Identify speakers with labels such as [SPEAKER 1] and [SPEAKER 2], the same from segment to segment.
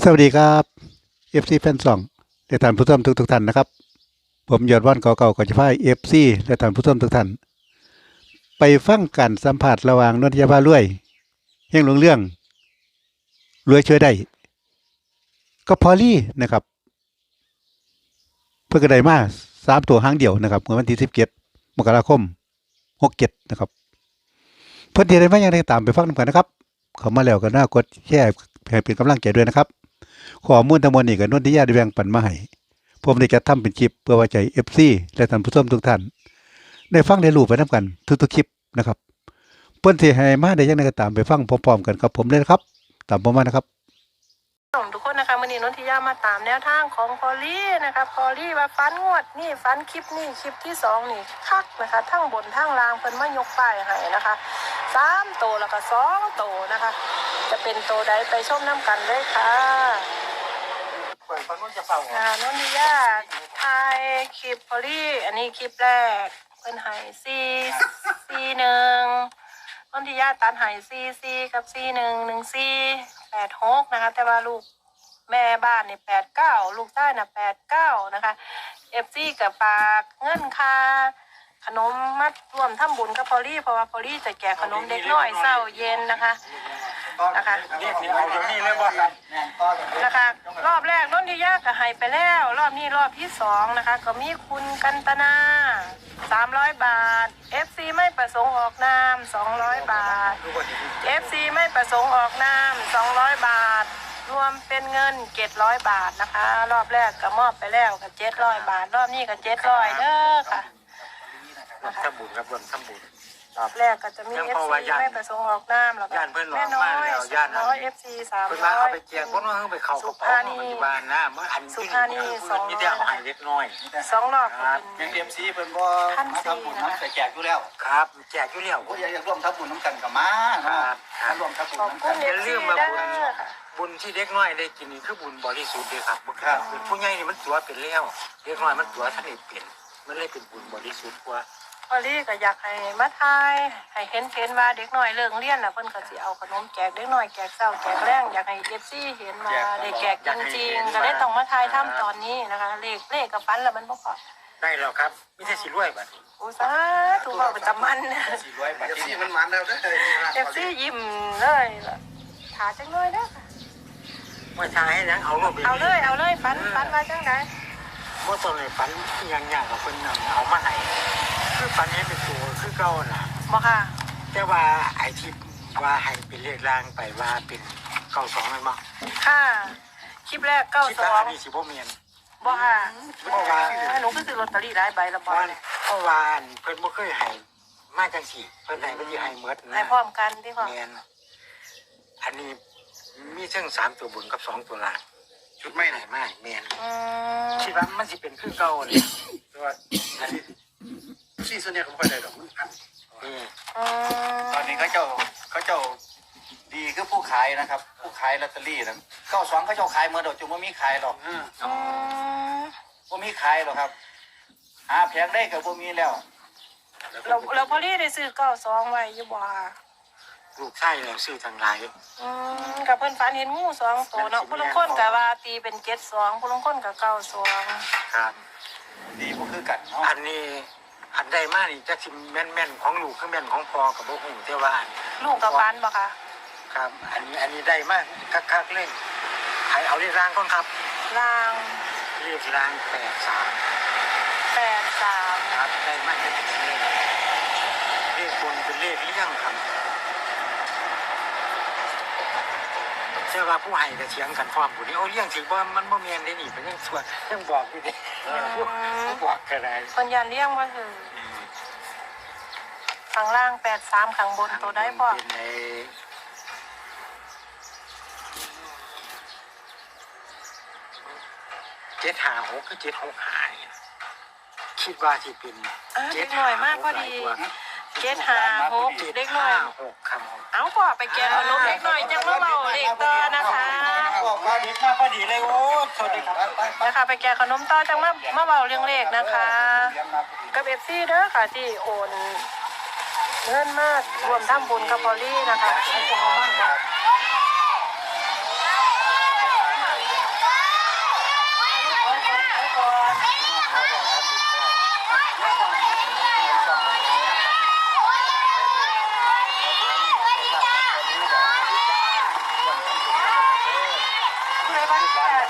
[SPEAKER 1] สวัสดีครับเอฟซีแฟนซองและท่านผู้ชมทุกท่านนะครับผมยอดวันเก่าๆก่อนจะพาเอฟซีและท่านผู้ชมทุกท่านไปฟังการสัมผัสระหว่างนนทยาพารวยเฮงหลงเรื่องรวยช่วยได้ก็พอลี่นะครับเพื่อกระไดมา3 ตัวหางเดียวนะครับเมื่อวันที่17 มกราคม 67นะครับเพื่อนที่ได้มาอย่างไรตามไปฟังกันนะครับเข้ามาแล้วก็น่ากดแชร์ให้เป็นกำลังใจด้วยนะครับข้อมูลทั้งหมดนี้ก็นนทิยาได้แบ่งปันมาให้ผมได้จัดทำเป็นคลิปเพื่อไว้ใจเอฟซีและท่านผู้ชมทุกท่านได้ฟังได้รู้ไปนํกันทุกๆคลิปนะครับเพิ่นสิให้มาได้ยังไงก็ตามไปฟังพร้อมๆกันครับผมเลยนะครับตามผมมานะครับ
[SPEAKER 2] ทุกคนนะคะวันนี้นนทิยามาตามแนวทางของพอลลี่นะคะพอลลี่ว่าฟันงวดนี่ฟันคลิปนี่คลิปที่2นี่คักนะคะทั้งบนทั้งล่างเพิ่นมายกป้ายให้นะคะ3 ตัวแล้วก็2 ตัวนะคะจะเป็นตัวใดไปชมน้ำกันเลยค่ะนนทิยาถ่ายคลิปพอลลี่อันนี้คลิปแรกเพิ่นให้441นนทิยาตัดให้44กับ411486นะคะแต่ว่าลูกแม่บ้านนี่89ลูกใต้น่ะ89นะคะFC กับฝากเงินค่าขนมมัดรวมทำบุญกับพอลลี่เพราะว่าพอลลี่จะแจกขนมเด็กน้อยเช้าเย็นนะคะนะคะรอบแรกนนทิยาก็ให้ไปแล้วรอบนี้รอบที่2นะคะก็มีคุณกันตนา300 บาท FC ไม่ประสงค์ออกนาม200 บาท FC ไม่ประสงค์ออกนาม200 บาทรวมเป็นเงิน700 บาทนะคะรอบแรกก็มอบไปแล้วก็700 บาทรอบนี้ก็700เด้อค่ะ
[SPEAKER 3] ทำบุญครับทำบุญ
[SPEAKER 2] รอบแรกก็จะมี FC ไม่ประสงค์ออกนามแล้วก็แม่น้อย200 FC 300
[SPEAKER 3] เพิ่นมาเอาไปแจกคนว่าเพิ่นไปเข้ากระเป๋าของที่บ้านนะเมื่ออันที่200มีแต่เอาให้เล็กน้อย
[SPEAKER 2] 2 รอบก็เป็น
[SPEAKER 4] ยัง MC เพิ่นบ่ทำบุญน้ำแจกอยู่แล้ว
[SPEAKER 3] ครับแจกอยู่แล้ว
[SPEAKER 4] ผู้ใหญ่อยากร่วมทำบุญน้ำกันก็มาเนาะร่วมทำบุญน้ำกัน
[SPEAKER 3] อย่าลืมมาบุญที่เด็กน้อยได้กินนี่คือบุญบริสุทธิ์เด้อครับบ่ครับผู้ใหญ่นี่มันตัวเป็นแล้วเด็กน้อยมันตัวท่านนี่เป็นมันเลยเป็นบุญบริสุทธิ์กว่า
[SPEAKER 2] พอลี่ก็อยากให้มาทายให้เห็นว่าเด็กน้อยเลิกเรียนน่ะเพิ่นก็สิเอาขนมแจกเด็กน้อยแจกเช้าแจกแลงอยากให้ FC เห็นว่าได้แจกจริงๆก็เลยต้องมาทายทำตอนนี้นะคะเลขกับฟันแล้วมันบ่พอ
[SPEAKER 3] ได้แล้วครับมีแต่สิรวยบัด
[SPEAKER 2] โอ้สาธุเว้าประจำมัน
[SPEAKER 4] สิรวยบัดนี้มันมันแล้วเด้อ
[SPEAKER 2] FC ยิ้มเลยถาจังเลยเด้อค่ะ
[SPEAKER 3] ว่าทายให้ยังเอา
[SPEAKER 2] เลยฟันว่าจังได๋
[SPEAKER 3] บ่ต้องให้ฟันอย่างกับเพิ่นเอามาให้คือฟันนี้เป็นตัวคือเก่าน่ะ
[SPEAKER 2] บ่ค่ะ
[SPEAKER 3] แต่ว่าไอ้ที่ว่าให้เป็นเลขล่างไปว่าเป็น92นั่นบ่
[SPEAKER 2] ค่ะคลิปแรก92
[SPEAKER 3] นี่สิบ่แม่น
[SPEAKER 2] บ่ค่ะเพราะว่าหนูก็ซื้อลอตเตอรี่หลายใบแล้วบ่
[SPEAKER 3] เพราะว่าเพิ่นบ่เคยให้มาจังซี่เพิ่นให้มันสิให้หมด
[SPEAKER 2] ให้พร้อมกันที่พ่อ
[SPEAKER 3] แม่นอันนี้มีทั้ง3ตัวบนกับ2ตัวล่าง
[SPEAKER 4] ชุดไม่ไหน
[SPEAKER 3] ไม่แม่นคิดว่ามันสิเป็นคือเก่านี่
[SPEAKER 4] แต่ว่าอันนี้ที่ส่วนใหญ่ก็บ่ค่อยได้ดอกมันอันตอนนี้เขาเจ้าดีคือผู้ขายนะครับผู้ขายลอตเตอรี่นะ92เขาเจ้าขายเมื่อดอกจุ่มบ่มีขายหรอกบ่มีขายหรอกครับหาแผงได้ก็บ่มีแล้ว
[SPEAKER 2] เราพอลี่ได้ซื้อ92ไว้อยู่บ่
[SPEAKER 3] ลูกชายแล้วซื้อทั้งหลาย
[SPEAKER 2] กับเพิ่นฝันเห็นงู2ตัวเนาะผู้ลางคนก็ว่าตีเป็น72ผู้ลางคนก็92
[SPEAKER 3] ครับ
[SPEAKER 4] ดีบ่คือกันเนาะ
[SPEAKER 3] อันนี้อันใดมานี่จักสิแม่นของลูกคือแม่นของพ่อก็บ่ฮู้แต่ว่า
[SPEAKER 2] ลูกกับฝันบ่คะ
[SPEAKER 3] ครับอันนี้ได้มาคักๆเล่นเอาเลขรางก่อนครับ
[SPEAKER 2] ราง
[SPEAKER 3] เลขราง
[SPEAKER 2] 83
[SPEAKER 3] ครับได้มาเป็นเลขบนเป็นเลขเลี้ยงครับเชื่อว่าผู้ให้ก็เถียงกันพร้อมผู้นี้โอ้เลี้ยงสิบ่มันบ่แม่นได้นี่เป็นยังชั่วยังบอกอยู่ดิบอกก็ได้
[SPEAKER 2] เพิ่นยันเลี้ยงบ่ถึงข้างล่าง83ข้างบนตัวได้บ่
[SPEAKER 3] 756คือ765คิดว่าสิเป็น
[SPEAKER 2] 7หน่อยมากพอดี756เด็กน้อย
[SPEAKER 3] 6คำ
[SPEAKER 2] เอาก็ไปแกะขนมเด็กน้อยจังมาเว้าเด็กต่อนะคะ
[SPEAKER 3] บอกว่าดีมากพอดีเลยโอ้สวัสดีครับ
[SPEAKER 2] นะคะไปแกะขนมต่อจังมาเว้าเรื่องเลขนะคะกับ FC เด้อค่ะที่โอนเงินมากรวมทำบุญกับพอลลี่นะคะให้พวกเรามั่นนะ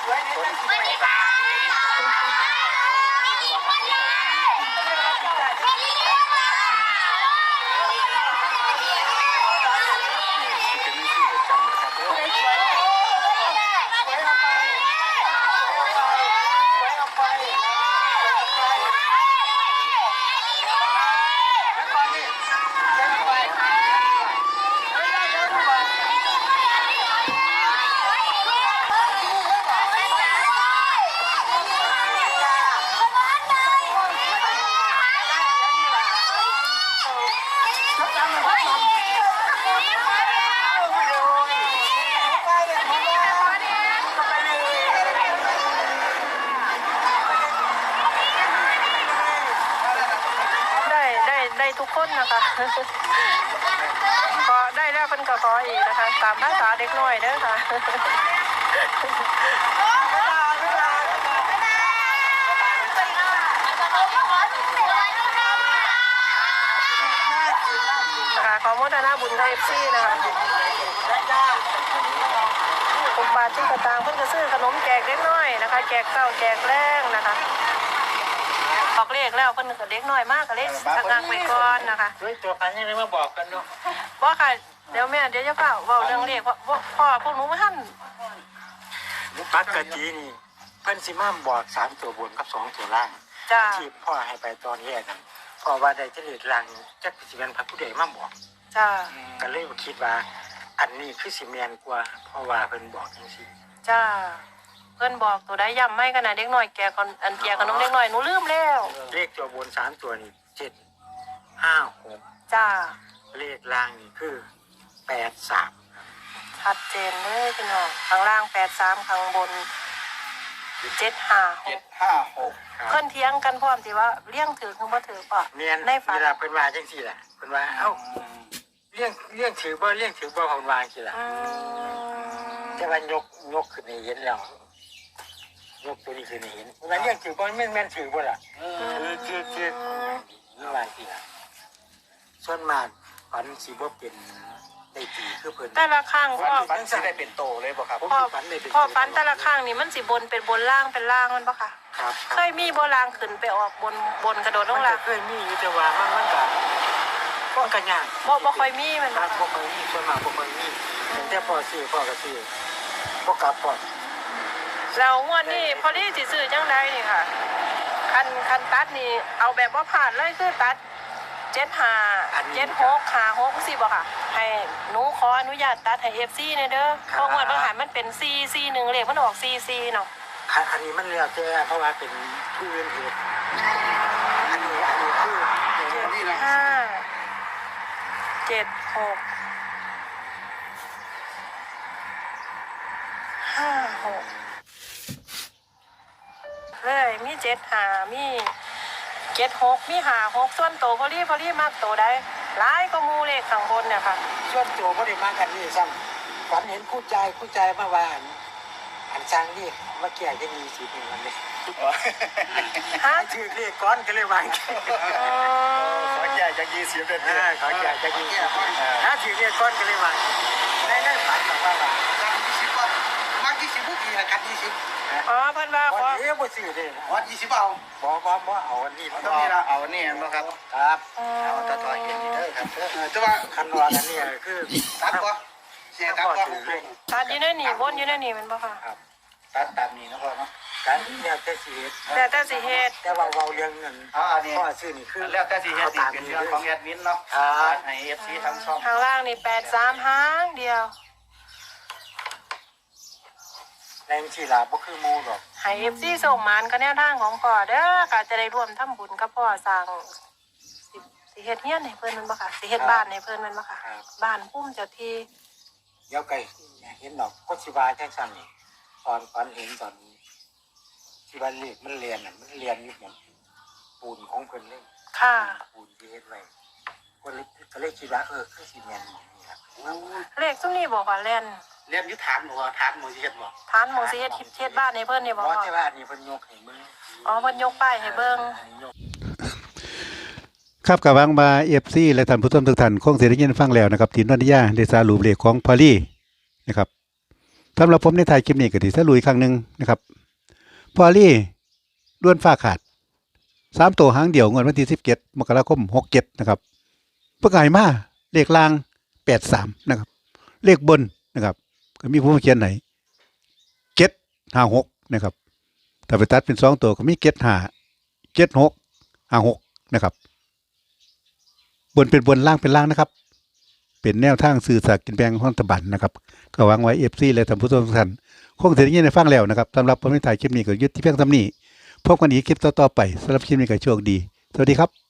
[SPEAKER 2] ได้ทุกคนนะคะ ขอได้แล้วเพิ่นก็ขออีกนะคะ ตามภาษาเด็กน้อยเด้อค่ะขอโมทนาบุญกับ FC นะคะ6 บาทที่กระตางเพิ่นก็ซื้อขนมแจกเด็กน้อยนะคะแจกข้าวแจกแรงนะคะบอกเลขแล้วเพิ่นก็เด็กน้อยมากก็เลยสักไว้ก่อนนะคะ
[SPEAKER 3] ด้วยตัวกันยังไงมาบอกกันเนาะ
[SPEAKER 2] บ่ค่ะเดี๋ยวแม่เดี๋ยวจะเปล่าเว้าเรื่องเลขพ่อพวกหนูบ่ทัน
[SPEAKER 3] ปกตินี่เพิ่นสิมาบอก3ตัวบนกับ2ตัวล่าง
[SPEAKER 2] จ้า
[SPEAKER 3] ที่พ่อให้ไปตอนแรกนั่นพ่อว่าได้จะเลขล่างจักสิเป็นพระผู้ใดมาบอก
[SPEAKER 2] จ้า
[SPEAKER 3] ก็เลยคิดว่าอันนี้คือสิแม่นกว่าเพราะว่าเพิ่นบอกจังซี่
[SPEAKER 2] จ้าเพิ่นบอกตัวได้ย้ำไม่กันนะเด็กน้อยแกก่อนอันแกขนมเด็กน้อยหนูลืมแล้ว
[SPEAKER 3] เลขตัวบน3ตัวนี่7 5 6
[SPEAKER 2] จ้า
[SPEAKER 3] เลขล่างนี่คือ8 3
[SPEAKER 2] ชัดเจนเลยพี่น้องข้างล่าง83ข้างบน756
[SPEAKER 4] 756
[SPEAKER 2] เพิ่นเถียงกันพร้อมที่ว่าเลี้ยงถือคือบ่ถือป่ะ
[SPEAKER 3] แม่น
[SPEAKER 2] ในฝัน
[SPEAKER 3] เวลาเพิ่นว่าจังซี่ล่ะเพิ่นว่าเอ้าเลี้ยงถือบ่เลี้ยงถือบ่เพิ่นว่าจังซี่ล่ะ
[SPEAKER 2] อืม
[SPEAKER 3] แต่ว่ายกขึ้นให้เห็นแล้วยกตัวนี้ขึ้นให้เห็นเวลาเลี้ยงถือบ่แม่นถือบ่ล่ะคือนี่ว่าจังซี่ล่ะส่วนมากฝันสิบ่เป็นได้ตีคือเพิ่น
[SPEAKER 2] แต่ละข้างพ่อ
[SPEAKER 4] ฝันสิได้เป็นโตเลยบ่ครับ
[SPEAKER 3] ผม
[SPEAKER 2] พ่อ
[SPEAKER 3] สิฝันได้เป็น
[SPEAKER 2] พ่อฟันแต่ละข้างนี่มันสิบนเป็นบนล่างเป็นล่างมันปะค่ะ
[SPEAKER 3] ครับ
[SPEAKER 2] เคยมีบ่ล่างขึ้นไปออกบนกระโดดล
[SPEAKER 3] มั
[SPEAKER 2] ง
[SPEAKER 3] น
[SPEAKER 2] ล่า
[SPEAKER 3] ก็
[SPEAKER 2] ง
[SPEAKER 3] เคยมีอยู่แต่ว่ามันก็ยาก
[SPEAKER 2] บ่ค่อยมีมัน
[SPEAKER 3] ค
[SPEAKER 2] บ่
[SPEAKER 3] รับบ่ค่อยมีส่วนมากบ่ค่อยมีแต่พอซื้อพ่อก็ซื้อบ่กลับพอ
[SPEAKER 2] แล้วงวดนี้พอดีสิซื้อจังไดนี่ค่ะคันตัดนี่เอาแบบว่าผ่านเลยคือตัด75 76 56สิบ่ค่ะให้หนูขออนุญาตตัดให้ FC หน่อยเด้อเพราะงวดบางหันมันเป็น441เลขมันออก44เนาะ
[SPEAKER 3] อันนี้มันแล้วแต่เพราะว่าเป็นผู้อื่นเหตุอันนี้คือ
[SPEAKER 4] นี่นะ
[SPEAKER 2] 5 7 6 5 6เลยมี75มี76มี56ส่วนโตพอลี่มากโตได้หลายก็มูเลขข้างบนเนี่ยค่ะ
[SPEAKER 3] ส่วนตัวบ่ได้มากันนี่ซ้ำฝันเห็นคู่ใจมาว่าอันสร้างนี่มาแก่จะมีสิเป็นมันเลย
[SPEAKER 2] ฮะ
[SPEAKER 3] ชื่อเรียกก้อนก็เลยว่า
[SPEAKER 4] ขอแก่จาก20เด้อ
[SPEAKER 3] เขาแก่จะมีถ้าชื่อเรียกก้อนก็เลยว่าในฝันแบบว่า
[SPEAKER 4] กัน20ว่ามัก20บ่กี่กัน20
[SPEAKER 2] อ๋อเพิ่นว่าขอ
[SPEAKER 3] วันนี้บ่ซื้อเด้
[SPEAKER 4] ว่า20เอา
[SPEAKER 3] บ่เอาอันนี้
[SPEAKER 4] ต้องมีละเอานี่บ่ครับ
[SPEAKER 3] ครับ
[SPEAKER 4] เอาตะทอยเห็นนี่เด้อครับแต่ว่า
[SPEAKER 3] คันว่าอันนี้คือ
[SPEAKER 4] ตัดบ่แช่ตัดบ่
[SPEAKER 2] ตัดอยู่ในนี่วนอยู่ในนี่แมันบ่ค่ะ
[SPEAKER 4] ตัดตามนี้นะพ่อเนาะ
[SPEAKER 3] การเนี่ยแต่สิเฮ็ด
[SPEAKER 2] แต่สิเฮ็ด
[SPEAKER 3] แต่ว่าเว้าเรื่องเงิน
[SPEAKER 4] อันนี้
[SPEAKER 3] พ่อซื้อนี่คือ
[SPEAKER 4] แล้วแต่สิเฮ็ดนี่เป็นเรื่องของแอดมินเนาะให้ FC ทั้งช่อง
[SPEAKER 2] ข้างล่างนี่83หางเดียว
[SPEAKER 3] แรงสิล่ะบ่คือหมู่ดอก
[SPEAKER 2] ให้ FC ส่งมานกับแนวทางของพ่อเด้อค่ะจะได้ร่วมทำบุญกับพ่อสร้างสิเฮ็ดเฮียนให้เพิ่นแมันบ่ค่ะสิเฮ็ดบ้านให้เพิ่นแมันบ่ค่ะบ้านพุ่มเจ้าที่
[SPEAKER 3] เดี๋ยวไก่เห็นดอกก็สิว่าจังซั่นนี่ตอนฝันเห็นตอนที่ว่าเลขมันเรียนน่ะมันเรียนอยู่หมดปูนของเพิ่นเลย
[SPEAKER 2] ค่ะ
[SPEAKER 3] ปูนที่เฮ็ดไว้ก็เลยคิดว่าคือสิแม่นนี่ล่ะ
[SPEAKER 2] เลขซุมนี้บอกว่าแล่น
[SPEAKER 4] เรียนอยู่ฐานบ่ฐานบ่สิเฮ็ดบ่
[SPEAKER 2] ฐานหมองสิเฮ็ดบ้านให้เพิ่นนี่บ่
[SPEAKER 3] เพราะ
[SPEAKER 2] พ่อ
[SPEAKER 3] แต่ว่าอันนี้เพิ่นยกให้มึง
[SPEAKER 2] อ๋อเพิ่นยกป้ายให้เบิ่ง
[SPEAKER 3] อันนี้ยก
[SPEAKER 1] ครับกับวังมาเอฟซีและท่านผู้ชมทุกท่านคงเสียได้ยินฟังแล้วนะครับทีนนทิยาได้สารุปเลขของพอลี่นะครับสำหรับผมในถ่ายคลิปนี้ก็ที่สรุปอีกครั้งหนึ่งนะครับพอลี่ด้วนฟ้าขาด3ตัวหางเดี่ยวงวดวันที่17 มกราคม67นะครับเพื่อไงมาเลขล่าง83นะครับเลขบนนะครับก็มีผู้เขียนไหน756นะครับถ้าไปตัดเป็น2ตัวก็มี75 76 56นะครับบนเป็นบนล่างเป็นล่างนะครับเป็นแนวทางสื่อสารกินแบงของรัฐบาลนะครับก็หวังไว้ FC และท่านผู้ชมทุกท่านคงจะได้ยินได้ฟังแล้วนะครับสำหรับผมในถ่ายคลิปนี้ก็ยุติเพียงเท่านี้พบกันอีกคลิปต่อๆไปสำหรับคลิปนี้ก็โชคดีสวัสดีครับ